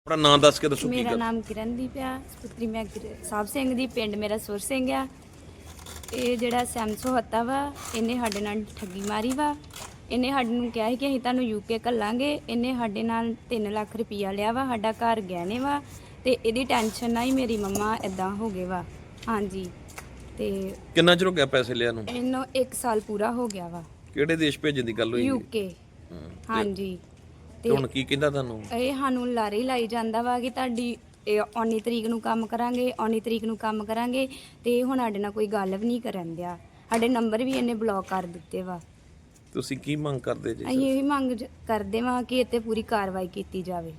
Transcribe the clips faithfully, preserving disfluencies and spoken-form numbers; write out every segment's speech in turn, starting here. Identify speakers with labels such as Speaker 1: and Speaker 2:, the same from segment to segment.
Speaker 1: ਆਪਣਾ ਨਾਮ ਦੱਸ ਕੇ ਦੱਸੋ ਕੀ
Speaker 2: ਮੇਰਾ
Speaker 1: ਗੱਲ।
Speaker 2: ਨਾਮ ਕਿਰਨਦੀਪ ਆ, ਸਪੁੱਤਰੀ ਮੈਂ ਗੁਰ- ਸਾਹਿਬ ਸਿੰਘ ਦੀ, ਪਿੰਡ ਮੇਰਾ ਸੁਰ ਸਿੰਘ ਆ। ਇਹ ਜਿਹੜਾ ਸੈਮਸੋ ਹੱਤਾ ਵਾ, ਇਹਨੇ ਸਾਡੇ ਨਾਲ ਠੱਗੀ ਮਾਰੀ ਵਾ। ਇਹਨੇ ਸਾਡੇ ਨੂੰ ਕਿਹਾ ਸੀ ਕਿ ਅਸੀਂ ਤੁਹਾਨੂੰ ਯੂਕੇ ਘੱਲਾਂਗੇ। ਇਹਨੇ ਸਾਡੇ ਨਾਲ ਤਿੰਨ ਲੱਖ ਰੁਪਈਆ ਲਿਆ ਵਾ, ਸਾਡਾ ਘਰ ਗਹਿਣੇ ਵਾ, ਤੇ ਇਹਦੀ ਟੈਨਸ਼ਨ ਨਾਲ ਹੀ ਮੇਰੀ ਮੰਮਾ ਇਦਾਂ ਹੋ ਗਏ ਵਾ। ਹਾਂਜੀ, ਤੇ
Speaker 1: ਕਿੰਨਾ ਚਿਰ ਹੋ ਗਿਆ ਪੈਸੇ ਲਿਆ ਨੂੰ?
Speaker 2: ਇਹਨੂੰ ਇੱਕ ਸਾਲ ਪੂਰਾ ਹੋ ਗਿਆ ਵਾ।
Speaker 1: ਕਿਹੜੇ ਦੇਸ਼ ਭੇਜਣ ਦੀ ਗੱਲ ਹੋਈ?
Speaker 2: ਯੂਕੇ। ਹਾਂਜੀ,
Speaker 1: ਤੇ ਹੁਣ ਕੀ ਕਹਿੰਦਾ ਤੁਹਾਨੂੰ?
Speaker 2: ਇਹ ਸਾਨੂੰ ਲਾਰੇ ਹੀ ਲਾਈ ਜਾਂਦਾ ਵਾ ਕਿ ਤੁਹਾਡੀ ਇਹ ਉੱਨੀ ਤਰੀਕ ਨੂੰ ਕੰਮ ਕਰਾਂਗੇ, ਉੱਨੀ ਤਰੀਕ ਨੂੰ ਕੰਮ ਕਰਾਂਗੇ, ਤੇ ਹੁਣ ਸਾਡੇ ਨਾਲ ਕੋਈ ਗੱਲ ਵੀ ਨਹੀਂ ਕਰਨ ਦਿਆ। ਸਾਡੇ ਨੰਬਰ ਵੀ ਇਹਨੇ ਬਲੌਕ ਕਰ ਦਿੱਤੇ ਵਾ।
Speaker 1: ਤੁਸੀਂ ਕੀ ਮੰਗ ਕਰਦੇ ਜੀ?
Speaker 2: ਅਸੀਂ ਇਹ ਮੰਗ ਜ- ਕਰਦੇ ਵਾਂ ਕਿ ਇੱਥੇ ਪੂਰੀ ਕਾਰਵਾਈ ਕੀਤੀ ਜਾਵੇ।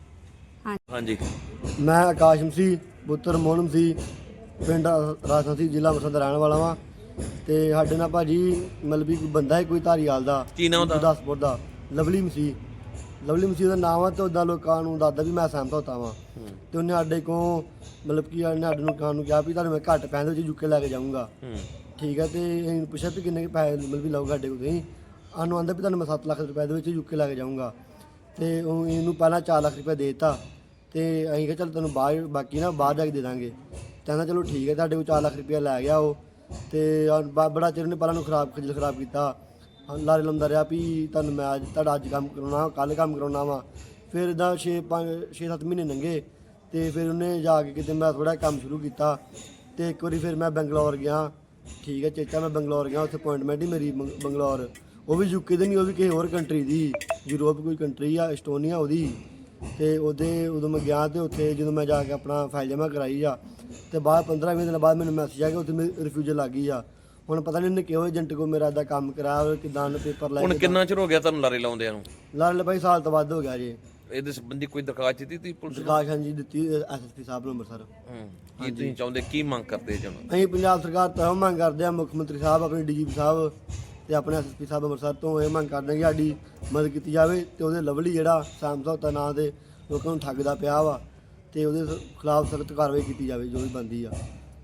Speaker 1: ਹਾਂਜੀ,
Speaker 3: ਮੈਂ ਆਕਾਸ਼ ਮਸੀਹ ਪੁੱਤਰ ਮੋਹਨ ਮਸੀਹ ਪਿੰਡ ਰਾਜਸਥਾਨੀ ਜ਼ਿਲ੍ਹਾ ਅੰਮ੍ਰਿਤਸਰ ਦਾ ਰਹਿਣ ਵਾਲਾ ਵਾਂ। ਤੇ ਸਾਡੇ ਨਾਲ ਭਾਜੀ ਮਤਲਬ ਵੀ ਕੋਈ ਬੰਦਾ ਹੈ ਕੋਈ ਧਾਰੀਵਾਲ ਦਾ,
Speaker 1: ਕੀ ਨਾਮ ਉਹਦਾ?
Speaker 3: ਗੁਰਦਾਸਪੁਰ ਦਾ, ਲਵਲੀ ਮਸੀਹ। ਲਵਲੀ ਮਸੀਹ ਦਾ ਨਾਮ ਆ ਤੇ ਉੱਦਾਂ ਲੋਕਾਂ ਨੂੰ ਦੱਸਦਾ ਵੀ ਮੈਂ ਸਹਿਮਤ ਹੁੰਦਾ ਵਾਂ। ਤੇ ਉਹਨੇ ਸਾਡੇ ਕੋਲ ਮਤਲਬ ਕਿ ਉਹਨੇ ਸਾਡੇ ਨੂੰ ਕਾਨ ਨੂੰ ਕਿਹਾ ਵੀ ਤੁਹਾਨੂੰ ਮੈਂ ਘੱਟ ਪੈਸੇ ਵਿੱਚ ਯੂਕੇ ਲੈ ਕੇ ਜਾਊਂਗਾ। ਠੀਕ ਹੈ, ਤੇ ਅਸੀਂ ਪੁੱਛਿਆ ਵੀ ਕਿੰਨੇ ਕੁ ਪੈਸੇ ਮਤਲਬ ਵੀ ਲਊਗਾ ਸਾਡੇ ਕੋਲ ਤੁਸੀਂ? ਸਾਨੂੰ ਆਂਦਾ ਵੀ ਤੁਹਾਨੂੰ ਮੈਂ ਸੱਤ ਲੱਖ ਰੁਪਏ ਦੇ ਵਿੱਚ ਯੂਕੇ ਲੈ ਕੇ ਜਾਊਂਗਾ। ਤੇ ਉਹ ਇਹਨੂੰ ਪਹਿਲਾਂ ਚਾਰ ਲੱਖ ਰੁਪਏ ਦੇ ਦਿੱਤਾ, ਤੇ ਅਸੀਂ ਕਿਹਾ ਚੱਲ ਤੈਨੂੰ ਬਾਹਰ ਬਾਕੀ ਨਾ ਬਾਹਰ ਜਾ ਕੇ ਦੇ ਦਾਂਗੇ। ਕਹਿੰਦਾ ਚਲੋ ਠੀਕ ਹੈ, ਤੁਹਾਡੇ ਕੋਲ ਚਾਰ ਲੱਖ ਰੁਪਇਆ ਲੈ ਗਿਆ ਉਹ। ਤੇ ਬ- ਬੜਾ ਚਿਰ ਉਹਨੇ ਪਹਿਲਾਂ ਨੂੰ ਖਰਾਬ ਖੱਜਲ ਖਰਾਬ ਕੀਤਾ, ਲਾਰੇ ਲਾਉਂਦਾ ਰਿਹਾ ਵੀ ਤੁਹਾਨੂੰ ਮੈਂ ਅੱਜ ਤੁਹਾਡਾ ਅੱਜ ਕੰਮ ਕਰਾਉਣਾ, ਕੱਲ੍ਹ ਕੰਮ ਕਰਾਉਣਾ ਵਾ। ਫਿਰ ਇੱਦਾਂ ਛੇ ਪੰਜ ਛੇ ਸੱਤ ਮਹੀਨੇ ਲੰਘੇ, ਤੇ ਫਿਰ ਉਹਨੇ ਜਾ ਕੇ ਕਿਤੇ ਮੈਂ ਥੋੜ੍ਹਾ ਕੰਮ ਸ਼ੁਰੂ ਕੀਤਾ। ਤੇ ਇੱਕ ਵਾਰੀ ਫਿਰ ਮੈਂ ਬੰਗਲੌਰ ਗਿਆ। ਠੀਕ ਹੈ ਚੇਚਾ, ਮੈਂ ਬੰਗਲੌਰ ਗਿਆ, ਉੱਥੇ ਅਪਾਇੰਟਮੈਂਟ ਹੀ ਮੇਰੀ ਬੰਗ- ਬੰਗਲੌਰ। ਉਹ ਵੀ ਯੂਕੇ ਦੀ ਨਹੀਂ, ਉਹ ਵੀ ਕਿਸੇ ਹੋਰ ਕੰਟਰੀ ਦੀ, ਯੂਰਪ ਕੋਈ ਕੰਟਰੀ ਆ, ਐਸਟੋਨੀਆ ਉਹਦੀ। ਤੇ ਉਹਦੇ ਉਦੋਂ ਮੈਂ ਗਿਆ, ਤੇ ਉੱਥੇ ਜਦੋਂ ਮੈਂ ਜਾ ਕੇ ਆਪਣਾ ਫਾਈਲ ਜਮ੍ਹਾਂ ਕਰਾਈ ਆ, ਤੇ ਬਾਅਦ ਪੰਦਰਾਂ ਵੀਹ ਦਿਨ ਬਾਅਦ ਮੈਨੂੰ ਮੈਸੇਜ ਆ ਗਿਆ ਉੱਥੇ ਮੇਰੀ ਰਿਫਿਊਜ਼ਲ ਲੱਗ ਗਈ ਆ। ਹੁਣ ਪਤਾ ਨਹੀਂ ਉਹਨੇ ਕਿਹੋ ਏਜੰਟ ਕੋਲ ਮੇਰਾ ਦਾ ਕੰਮ ਕਰਾਇਆ, ਕਿਦਾਂ ਪੇਪਰ ਲੈ
Speaker 1: ਹੁਣ
Speaker 3: ਕੇ।
Speaker 1: ਕਿੰਨਾ ਚਿਰ ਹੋ ਗਿਆ ਤੁਹਾਨੂੰ ਲਾਰੇ ਲਾਉਂਦਿਆਂ ਨੂੰ?
Speaker 3: ਲਾਲ ਭਾਈ ਸਾਲ ਤੋਂ ਵੱਧ ਹੋ ਗਿਆ ਜੀ।
Speaker 1: ਇਹਦੇ ਸੰਬੰਧੀ ਕੋਈ ਦਰਖਾਸਤ ਦਿੱਤੀ ਤੁਸੀਂ ਪੁਲਿਸ ਨੂੰ?
Speaker 3: ਪ੍ਰਕਾਸ਼ ਹਾਂਜੀ ਦਿੱਤੀ ਐਸਐਸਪੀ ਸਾਹਿਬ ਨੂੰ ਅੰਮ੍ਰਿਤਸਰ।
Speaker 1: ਹੂੰ, ਕੀ ਤੁਸੀਂ ਚਾਹੁੰਦੇ, ਕੀ ਮੰਗ ਕਰਦੇ ਜੀ?
Speaker 3: ਅਸੀਂ ਪੰਜਾਬ ਸਰਕਾਰ ਤੋਂ ਇਹੋ ਮੰਗ ਕਰਦੇ ਹਾਂ, ਮੁੱਖ ਮੰਤਰੀ ਸਾਹਿਬ, ਆਪਣੇ ਡੀਜੀਪੀ ਸਾਹਿਬ ਤੇ ਆਪਣੇ ਐਸਐਸਪੀ ਸਾਹਿਬ ਅੰਮ੍ਰਿਤਸਰ ਤੋਂ ਇਹ ਮੰਗ ਕਰਦੇ ਹਾਂ ਕਿ ਸਾਡੀ ਮਦਦ ਕੀਤੀ ਜਾਵੇ। ਤੇ ਉਹਦੇ ਲਵਲੀ ਜਿਹੜਾ ਸਮਝੌਤਾ ਨਾਂ ਦੇ ਲੋਕਾਂ ਨੂੰ ਠੱਗਦਾ ਪਿਆ ਵਾ, ਤੇ ਉਹਦੇ ਖਿਲਾਫ ਸਖਤ ਕਾਰਵਾਈ ਕੀਤੀ ਜਾਵੇ ਜੋ ਵੀ ਬਣਦੀ ਆ।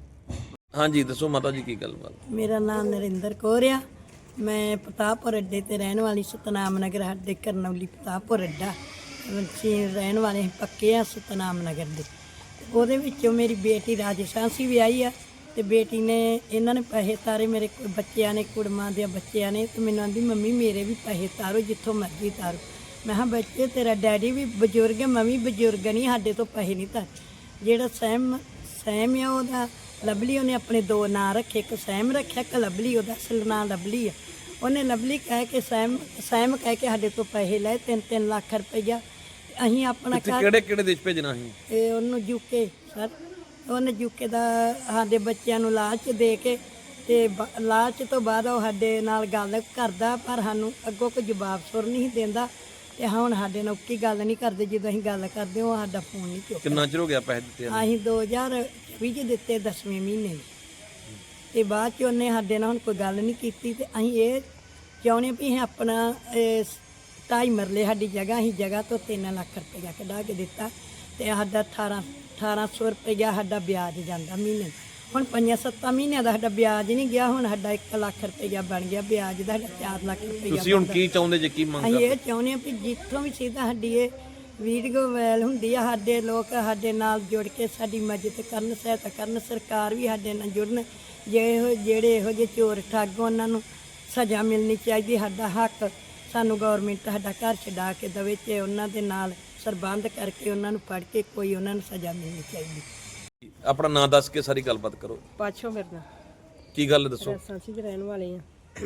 Speaker 1: ਹਾਂਜੀ ਦੱਸੋ ਮਾਤਾ ਜੀ, ਕੀ ਗੱਲਬਾਤ?
Speaker 4: ਮੇਰਾ ਨਾਮ ਨਰਿੰਦਰ ਕੌਰ ਆ। ਮੈਂ ਪ੍ਰਤਾਪਪੁਰ ਅੱਡੇ ਤੇ ਰਹਿਣ ਵਾਲੀ, ਸਤਨਾਮ ਨਗਰ ਸਾਡੇ ਕਰਨੌਲੀ ਪ੍ਰਤਾਪਪੁਰ ਅੱਡਾ। ਅਸੀਂ ਰਹਿਣ ਵਾਲੇ ਪੱਕੇ ਆ ਸਤਨਾਮ ਨਗਰ ਦੇ। ਉਹਦੇ ਵਿੱਚੋਂ ਮੇਰੀ ਬੇਟੀ ਰਾਜਸਥਾਨ ਸੀ ਵਿਆਹੀ ਆ, ਤੇ ਬੇਟੀ ਨੇ ਇਹਨਾਂ ਨੇ ਪੈਸੇ ਤਾਰੇ, ਮੇਰੇ ਕੋਲ ਬੱਚਿਆਂ ਨੇ, ਕੁੜਮਾਂ ਦੇ ਬੱਚਿਆਂ ਨੇ। ਤੇ ਮੈਨੂੰ ਆਂਦੀ ਮੰਮੀ ਮੇਰੇ ਵੀ ਪੈਸੇ ਤਾਰੋ, ਜਿੱਥੋਂ ਮਰਜ਼ੀ ਤਾਰੋ। ਮੈਂ ਕਿਹਾ ਬੱਚੇ ਤੇਰਾ ਡੈਡੀ ਵੀ ਬਜ਼ੁਰਗ ਹੈ, ਮੈਂ ਵੀ ਬਜ਼ੁਰਗ ਨਹੀਂ, ਸਾਡੇ ਤੋਂ ਪੈਸੇ ਨਹੀਂ ਤਾਰ। ਜਿਹੜਾ ਸੈਮ ਸੈਮ ਆ ਉਹਦਾ ਲਵਲੀ, ਉਹਨੇ ਆਪਣੇ ਦੋ ਨਾਂ ਰੱਖੇ, ਇੱਕ ਸੈਮ ਰੱਖਿਆ, ਇੱਕ ਲਵਲੀ। ਉਹਦਾ ਅਸਲ ਨਾਂ ਲਵਲੀ ਆ। ਉਹਨੇ ਲਵਲੀ ਕਹਿ ਕੇ ਸੈਮ ਸੈਮ ਕਹਿ ਕੇ ਸਾਡੇ ਤੋਂ ਪੈਸੇ ਲਏ ਤਿੰਨ ਤਿੰਨ ਲੱਖ ਰੁਪਈਆ। ਅਸੀਂ ਆਪਣਾ
Speaker 1: ਕਿੱਥੇ-
Speaker 4: ਘਰ
Speaker 1: ਕਿਹੜੇ ਕਿਹੜੇ ਦੇਸ਼ ਭੇਜਣਾ ਸੀ?
Speaker 4: ਇਹ ਉਹਨੂੰ ਯੂਕੇ ਸਰ, ਉਹਨੇ ਯੂਕੇ ਦਾ ਸਾਡੇ ਬੱਚਿਆਂ ਨੂੰ ਲਾਲਚ ਦੇ ਕੇ, ਤੇ ਬ- ਲਾਲਚ ਤੋਂ ਬਾਅਦ ਉਹ ਸਾਡੇ ਨਾਲ ਗੱਲ ਕਰਦਾ, ਪਰ ਸਾਨੂੰ ਅੱਗੋਂ ਕੋਈ ਜਵਾਬ ਸੁਰ ਨਹੀਂ ਦਿੰਦਾ। ਤੇ ਹੁਣ ਸਾਡੇ ਨਾਲ ਕੀ ਗੱਲ ਨਹੀਂ ਕਰਦੇ, ਜਦੋਂ ਅਸੀਂ ਗੱਲ ਕਰਦੇ ਉਹ ਸਾਡਾ ਫੋਨ ਨਹੀਂ ਚੁੱਕਦਾ।
Speaker 1: ਕਿੰਨਾ ਚਿਰ ਹੋ ਗਿਆ ਪੈਸੇ ਦਿੱਤੇ ਨੂੰ?
Speaker 4: ਅਸੀਂ ਦੋ ਹਜ਼ਾਰ ਵੀਹ 'ਚ ਦਿੱਤੇ ਦਸਵੇਂ ਮਹੀਨੇ, ਤੇ ਬਾਅਦ 'ਚ ਉਹਨੇ ਸਾਡੇ ਨਾਲ ਹੁਣ ਕੋਈ ਗੱਲ ਨਹੀਂ ਕੀਤੀ। ਤੇ ਅਸੀਂ ਇਹ ਚਾਹੁੰਦੇ ਵੀ ਅਸੀਂ ਆਪਣਾ ਇਹ ਢਾਈ ਮਰਲੇ ਸਾਡੀ ਜਗ੍ਹਾ, ਅਸੀਂ ਜਗ੍ਹਾ ਤੋਂ ਤਿੰਨ ਲੱਖ ਰੁਪਈਆ ਕਢਾ ਕੇ ਦਿੱਤਾ, ਤੇ ਸਾਡਾ ਅਠਾਰਾਂ ਅਠਾਰਾਂ ਸੌ ਰੁਪਈਆ ਸਾਡਾ ਵਿਆਜ ਜਾਂਦਾ ਮਹੀਨੇ। ਹੁਣ ਪੰਜਾਂ ਸੱਤਾਂ ਮਹੀਨਿਆਂ ਦਾ ਸਾਡਾ ਵਿਆਜ ਨਹੀਂ ਗਿਆ, ਹੁਣ ਸਾਡਾ ਇੱਕ ਲੱਖ ਰੁਪਈਆ ਬਣ ਗਿਆ ਵਿਆਜ ਦਾ, ਸਾਡਾ ਚਾਰ ਲੱਖ ਰੁਪਈਆ।
Speaker 1: ਤੁਸੀਂ ਹੁਣ ਕੀ ਚਾਹੁੰਦੇ ਜੇ, ਕੀ ਮੰਗ
Speaker 4: ਅਸੀਂ
Speaker 1: ਕਰਦੇ?
Speaker 4: ਇਹ ਚਾਹੁੰਦੇ ਹਾਂ ਵੀ ਜਿੱਥੋਂ ਵੀ ਸਿੱਧਾ ਸਾਡੀ ਇਹ ਵੀਡੀਓ ਵਾਇਰਲ ਹੁੰਦੀ ਆ, ਸਾਡੇ ਲੋਕ ਸਾਡੇ ਨਾਲ ਜੁੜ ਕੇ ਸਾਡੀ ਮਦਦ ਕਰਨ, ਸਹਾਇਤਾ ਕਰਨ, ਸਰਕਾਰ ਵੀ ਸਾਡੇ ਨਾਲ ਜੁੜਨ। ਜੇ ਇਹੋ ਜਿਹੜੇ ਇਹੋ ਜਿਹੇ ਚੋਰ ਠੱਗ, ਉਹਨਾਂ ਨੂੰ ਸਜ਼ਾ ਮਿਲਣੀ ਚਾਹੀਦੀ। ਸਾਡਾ ਹੱਕ ਸਾਨੂੰ ਗੌਰਮੈਂਟ ਸਾਡਾ ਘਰ ਛਡਾ ਕੇ ਦੇਵੇ, ਤੇ ਉਹਨਾਂ ਦੇ ਨਾਲ ਸਰਬੰਧ ਕਰਕੇ ਉਹਨਾਂ ਨੂੰ ਫੜ ਕੇ ਕੋਈ ਉਹਨਾਂ ਨੂੰ ਸਜ਼ਾ ਮਿਲਣੀ ਚਾਹੀਦੀ।
Speaker 1: ਆਪਣਾ ਨਾਂ ਦੱਸ ਕੇ ਸਾਰੀ ਗੱਲਬਾਤ ਕਰੋ।
Speaker 5: ਪਾਛੋ ਮੇਰੇ ਨਾਲ
Speaker 1: ਕੀ ਗੱਲ ਦੱਸੋ?
Speaker 5: ਸਾਂਸੀ ਦੇ ਰਹਿਣ ਵਾਲੇ ਆ।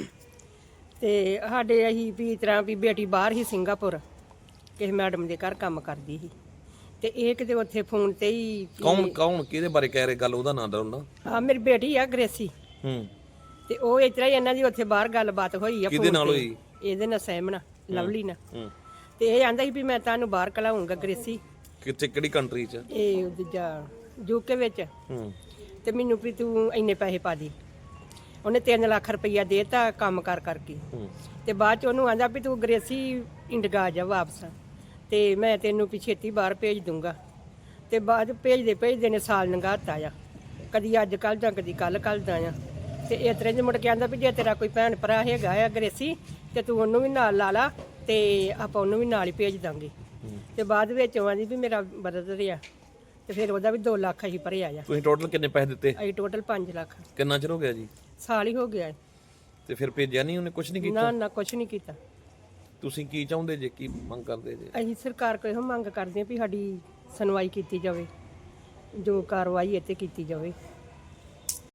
Speaker 5: ਤੇ ਸਾਡੇ ਅਸੀਂ ਵੀ ਇਸ ਤਰ੍ਹਾਂ ਵੀ ਬੇਟੀ ਬਾਹਰ ਹੀ ਸਿੰਗਾਪੁਰ ਕਿਸੇ ਮੈਡਮ ਦੇ ਘਰ ਕੰਮ ਕਰਦੀ ਸੀ, ਤੇ ਇਹ ਕਿਤੇ ਉੱਥੇ ਫੋਨ ਤੇ ਹੀ
Speaker 1: ਕੌਣ ਕੌਣ ਕਿਹਦੇ ਬਾਰੇ ਕਹਿ ਰਹੇ ਗੱਲ? ਉਹਦਾ ਨਾਂ ਦੱਸੋ ਨਾ।
Speaker 5: ਹਾਂ ਮੇਰੀ ਬੇਟੀ ਆ ਗ੍ਰੇਸੀ,
Speaker 1: ਹੂੰ,
Speaker 5: ਤੇ ਉਹ ਇਸ ਤਰ੍ਹਾਂ ਹੀ ਇਹਨਾਂ ਦੀ ਉੱਥੇ ਬਾਹਰ ਗੱਲਬਾਤ ਹੋਈ ਆ।
Speaker 1: ਕਿਹਦੇ
Speaker 5: phone
Speaker 1: ਨਾਲ
Speaker 5: ਤੇ।
Speaker 1: ਹੋਈ?
Speaker 5: ਇਹਦੇ ਨਾਲ ਸਹਿਮ ਨਾਲ, ਲਵਲੀ ਨਾਲ।
Speaker 1: ਹੂੰ,
Speaker 5: ਤੇ ਇਹ ਆਂਦਾ ਸੀ ਵੀ ਮੈਂ ਤੁਹਾਨੂੰ ਬਾਹਰ ਕਲਾਉਂਗਾ ਗ੍ਰੇਸੀ,
Speaker 1: ਕਿੱਥੇ ਕਿਹੜੀ ਕੰਟਰੀ 'ਚ?
Speaker 5: ਇਹ ਦੂਜਾ ਯੂਕੇ ਵਿੱਚ।
Speaker 1: ਹੂੰ,
Speaker 5: ਤੇ ਮੈਨੂੰ ਵੀ ਤੂੰ ਇੰਨੇ ਪੈਸੇ ਪਾ ਦੇ। ਉਹਨੇ ਤਿੰਨ ਲੱਖ ਰੁਪਈਆ ਦੇਤਾ ਕੰਮ ਕਰ ਕਰਕੇ।
Speaker 1: ਹੂੰ,
Speaker 5: ਤੇ ਬਾਅਦ ਚ ਉਹਨੂੰ ਆਂਦਾ ਵੀ ਤੂੰ ਗ੍ਰੇਸੀ ਇੰਡੀਆ ਜਾ ਵਾਪਸ, ਤੇ ਮੈਂ ਤੈਨੂੰ ਵੀ ਛੇਤੀ ਬਾਹਰ ਭੇਜ ਦੂੰਗਾ। ਤੇ ਬਾਅਦ ਭੇਜਦੇ ਭੇਜਦੇ ਨੇ ਸਾਲ ਲੰਘਾਤਾ ਆ, ਕਦੀ ਅੱਜ ਕੱਲ੍ਹ ਜਾਂ ਕਦੀ ਕੱਲ੍ਹ ਕੱਲ੍ਹ ਦਾ ਆ। ਤੇ ਇਸ ਤਰ੍ਹਾਂ ਜੇ ਮੁੜ ਕੇ ਆਂਦਾ ਵੀ ਜੇ ਤੇਰਾ ਕੋਈ ਭੈਣ ਭਰਾ ਹੈਗਾ ਆ ਗ੍ਰੇਸੀ, ਤੇ ਤੂੰ ਉਹਨੂੰ ਵੀ ਨਾਲ ਲਾ ਲਾ, ਤੇ ਆਪਾਂ ਉਹਨੂੰ ਵੀ ਨਾਲ ਹੀ ਭੇਜ ਦਾਂਗੇ। ਤੇ ਬਾਅਦ ਵਿੱਚ ਉਹ ਆਂਦੀ ਵੀ ਮੇਰਾ ਬਰਦਰ ਆ ਤੇ ਫਿਰ ਉਹਦਾ ਵੀ ਦੋ ਲੱਖ ਅਸੀਂ ਭਰਿਆ ਆ।
Speaker 1: ਤੁਸੀਂ ਟੋਟਲ ਕਿੰਨੇ ਪੈਸੇ ਦਿੱਤੇ?
Speaker 5: ਅਸੀਂ ਟੋਟਲ ਪੰਜ ਲੱਖ।
Speaker 1: ਕਿੰਨਾ ਚਿਰ ਹੋ ਗਿਆ ਜੀ?
Speaker 5: ਸਾਲ ਹੀ ਹੋ ਗਿਆ ਹੈ।
Speaker 1: ਤੇ ਫਿਰ ਭੇਜਿਆ ਨਹੀਂ ਉਹਨੇ? ਕੁਝ ਨਹੀਂ ਕੀਤਾ?
Speaker 5: ਨਾ ਨਾ ਕੁਛ ਨਹੀਂ ਕੀਤਾ।
Speaker 1: ਤੁਸੀਂ ਕੀ ਚਾਹੁੰਦੇ ਜੇ, ਕੀ ਮੰਗ ਕਰਦੇ ਜੇ?
Speaker 5: ਅਸੀਂ ਸਰਕਾਰ ਕੋਲ ਇਹੋ ਮੰਗ ਕਰਦੇ ਹਾਂ ਵੀ ਸਾਡੀ ਸੁਣਵਾਈ ਕੀਤੀ ਜਾਵੇ, ਜੋ ਕਾਰਵਾਈ ਇੱਥੇ ਕੀਤੀ ਜਾਵੇ।